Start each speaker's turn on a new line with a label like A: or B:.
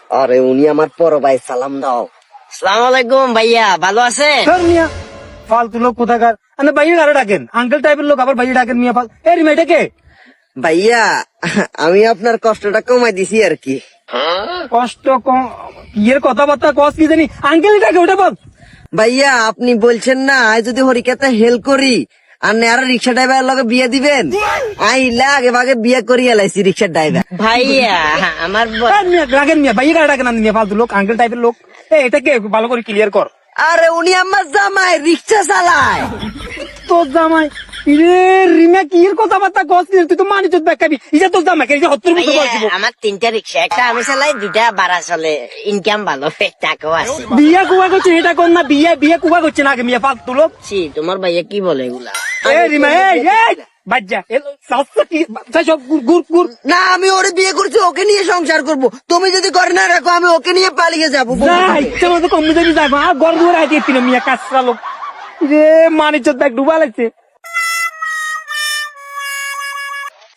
A: আরে উনি আমার বড় ভাই, সালাম দাও।
B: আসসালামু আলাইকুম ভাইয়া, ভালো আছেন?
C: স্যার মিয়া ফালতু লোক কোথাকার, আপনি ভাইয়া আরো ডাকেন, আঙ্কেল টাইপের লোক আবার ভাইয়া ডাকেন মিয়া ফাল। এই রিমা এটা কে?
A: ভাইয়া আমি আপনার কষ্টটা কমাই দিছি আর কি।
C: কষ্ট কম ইয়ের কথাবার্তা কস কি জানি, আঙ্কেল ডাকে ওটা বল।
A: ভাইয়া আপনি বলছেন না আজ যদি হরিকাতে হেল্প করি আর নেয়ার রিক্সা ড্রাইভারের লগে বিয়ে দিবেন, আইলে আগে ভাগে বিয়ে করিয়া লাইছি রিক্সার ড্রাইভার।
B: ভাইয়া আমার
C: এই মিয়া রাখেন মিয়া, ভাইয়া কারা ডাকেন আপনি মিয়া ফালতু লোক, আঙ্কেল টাইপের লোক। এটা কে ভালো করে ক্লিয়ার কর।
A: আরে উনি আমার জামাই, রিক্সা চালায়।
C: তোর জামাই? রে রিমা কি এর কথাবার্তা কস কি? তুই তো মানিত দেখাবি, ইটা তোর জামাই কে? হত্তর মতো
B: ভাইয়া,
C: বলছিস।
B: আমার 3টা রিক্সা, একটা আমি চালাই, 2টা ভাড়া চলে, ইনকাম ভালো, টাকাও আছে।
C: বিয়া কুয়া করছে এটা কর না, বিয়া কুয়া করছে না আগে মিয়া ফালতু লোক।
B: ছি, তোমার ভাইয়া কি বলে এগুলা?
C: এই রিমা এই বাজ্জা সাতটা কি সব গুর গুর।
A: না আমি ওরে বিয়ে করছি, ওকে নিয়ে সংসার করব। তুমি যদি করে না রাখো আমি ওকে নিয়ে পালিয়ে যাবো।
C: না ইচ্ছা মতো কম যদি যাবো আর গড় দুয়ার আইতে মিয়া কাঁচরা লোক। রে মানিজ্জত ব্যাগ ডুবা লাগছে।